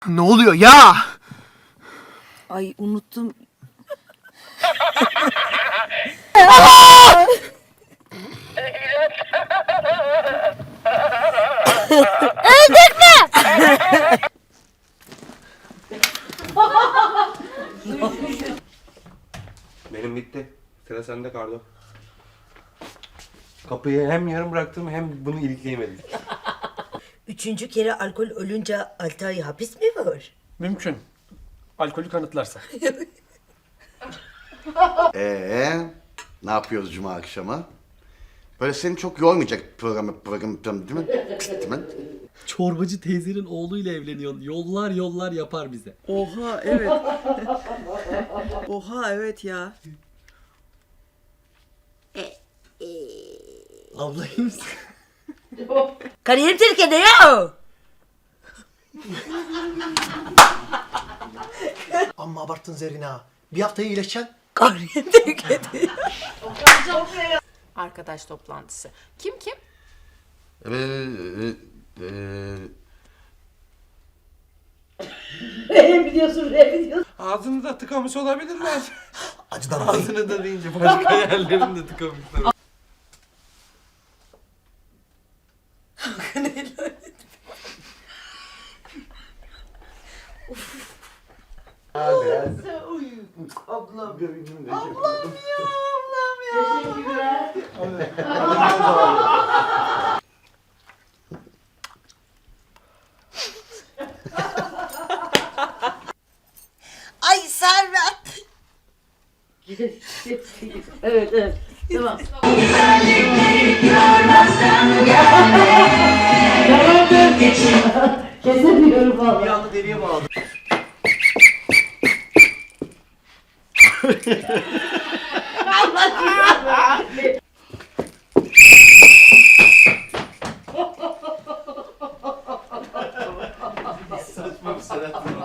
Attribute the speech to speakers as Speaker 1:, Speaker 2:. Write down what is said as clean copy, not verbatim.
Speaker 1: Ne oluyor ya?
Speaker 2: Ay unuttum.
Speaker 3: Benim bitti. Sıra sende Kardo. Kapıyı hem yarım bıraktım hem bunu ilikleyemedim.
Speaker 4: Üçüncü kere alkol ölünce 6 ay hapis mi var?
Speaker 5: Mümkün. Alkolü kanıtlarsa.
Speaker 6: Ne yapıyoruz cuma akşamı? Böyle seni çok yormayacak program değil mi? Değil mi?
Speaker 7: Çorbacı teyzenin oğluyla evleniyor. Yollar yollar yapar bize.
Speaker 2: Oha evet. Oha evet ya.
Speaker 7: Ablayım.
Speaker 4: Kariyerim tehlikede ya.
Speaker 1: Amma abarttın Zerina. Bir haftaya iyileşeceksin.
Speaker 4: Kariyerim tehlikede.
Speaker 8: Arkadaş toplantısı. Kim kim?
Speaker 3: Ağzını da tıkamış olabilirler.
Speaker 1: Acıdan
Speaker 3: Ağzını da deyince başka yerlerini de tıkamışlar.
Speaker 4: Ay Servet.
Speaker 1: Bir anda deliye bağladı.
Speaker 3: Saçma bir sanat.